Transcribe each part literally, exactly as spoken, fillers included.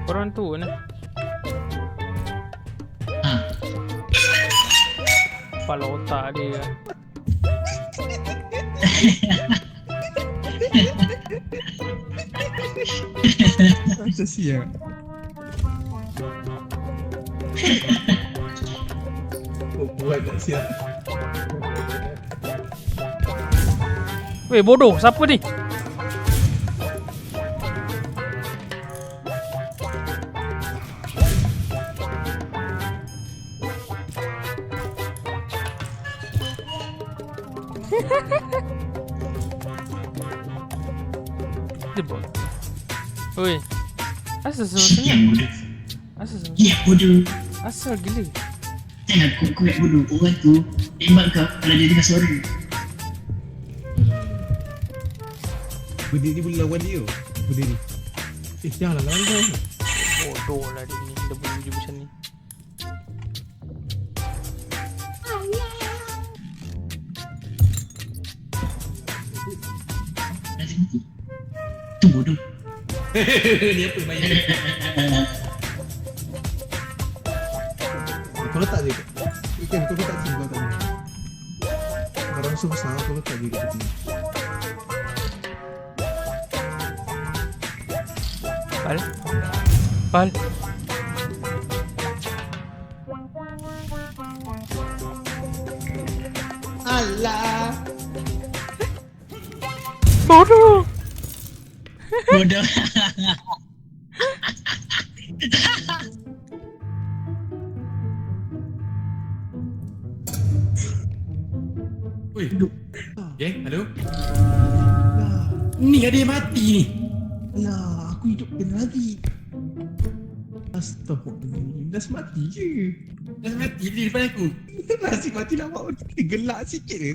Korang tu ni. Ha. Kepala otak dia. Macam siap. Oh, buat tak siap. Weh, bodoh. Siapa ni? Dia buat. Oi. Asal semua Ya senyap? bodoh. Asal semua Ya bodoh. Asal gila. Jangan kau kuat bodoh. Orang tu tembak kau kalau dia dengar suara. Benda ni boleh lawan dia. Benda ni. Eh, janganlah lawan kau. Bodoh lah dia ni. Dia boleh wujud macam ni. Nanti mati. Tu bodoh. Ni apa main ni? Kau letak je. Ikan kau letak sini kau tak ni. Barang susah kau letak je kat sini. Pal. Pal. Alah. Bodoh. Bodoh. Oi, geng, halo? Lah. Ni ada yang mati ni. Alah, aku hidupkan lagi. Astaghfirullahaladzim. Dah mati je. Dah mati di depan aku. Nasib mati lama. Gelak sikit je.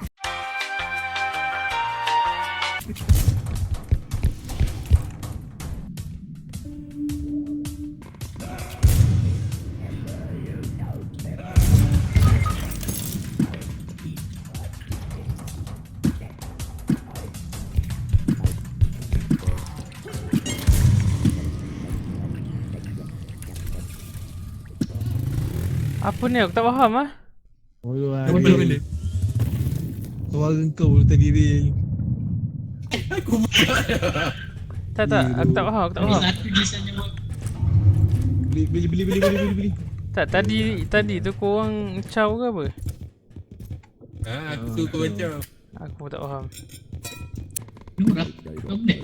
Apa ni? Aku tak faham ah. Oh, Apa benda? Suara kau tadi Ril. Aku buat. Tak tak, aku tak faham, aku tak Ada faham. satu di sana buat. Beli beli beli beli beli beli beli. Tak, tadi tadi tu korang caw ke apa? Ha, aku tu kau macam. Aku pun tak faham. Nurah. Kau boleh.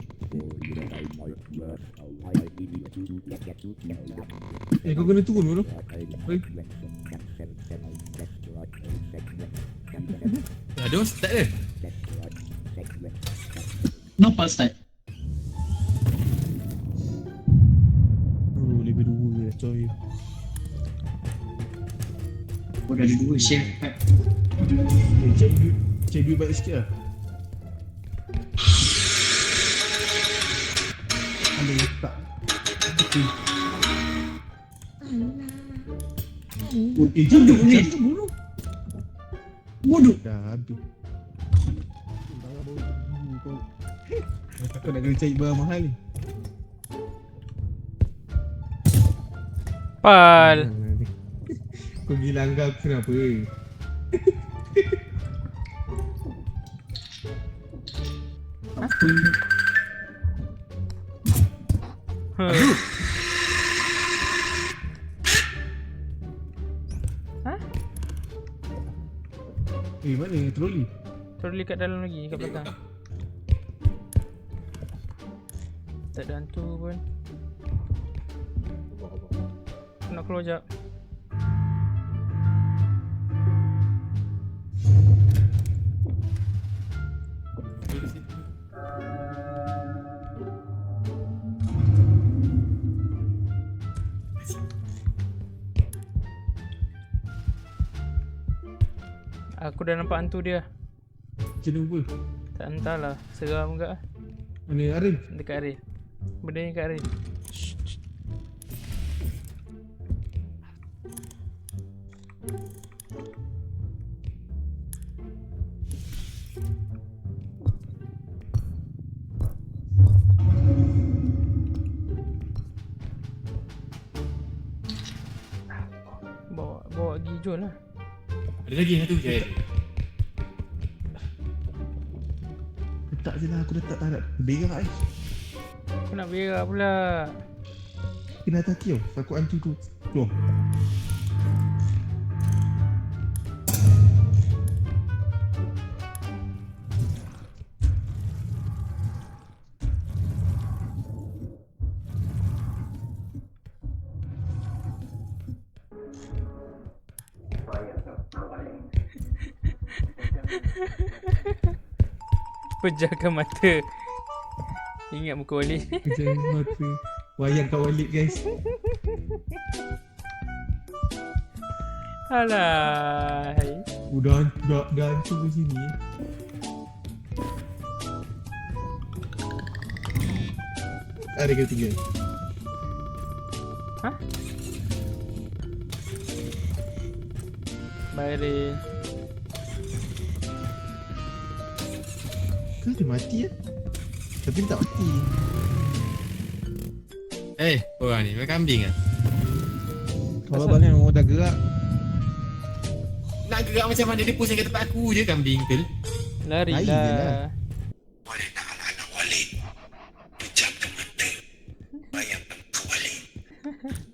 Eh, kau kena turun dulu. Oi. Ada orang start ke? Nampak start. Oh, lebih dua je coy. Oh, dah ada dua share. Eh, cari duit. Cari duit baik sikit lah. Ada letak. Okay. Oh, eh, Bodoh ni. jangan tu bunuh. Bodoh. Dah habis. Kau nak kena cari barang mahal ni. Pal. Kau gila anggap aku kenapa? Huh. Hah? Eh, mana troli? Troli kat dalam lagi, kat belakang. Tak ada hantu pun. Aku nak keluar jap. Aku dah nampak hantu dia. Macam mana pun? Tak entahlah, seram ke ah. Mana Arin? Dekat Arin. Benda ni kat Arin. Shh, shh. hijau lah. Ada lagi satu je. Letak je lah, aku letak tak nak berak eh. Aku nak berak pula. Kena hati tau, takut hantu tu keluar. Pejamkan mata. Ingat muka Walid. Kejap mata. Wayang kat Walid guys. Alai. Udah, dah, dah hancur ke sini. Ada ke tiga? Hah? Baik. Kan dia mati ya? Tapi dia tak mati. Eh, korang ni makan kambing ah. Kalau balik orang dah gerak. Nak gerak macam mana dia pusing kat tempat aku je kambing tu. Lari Lari je lah. lah. Walid nak anak-anak Walid. Pejamkan mata. Bayangkan muka Walid.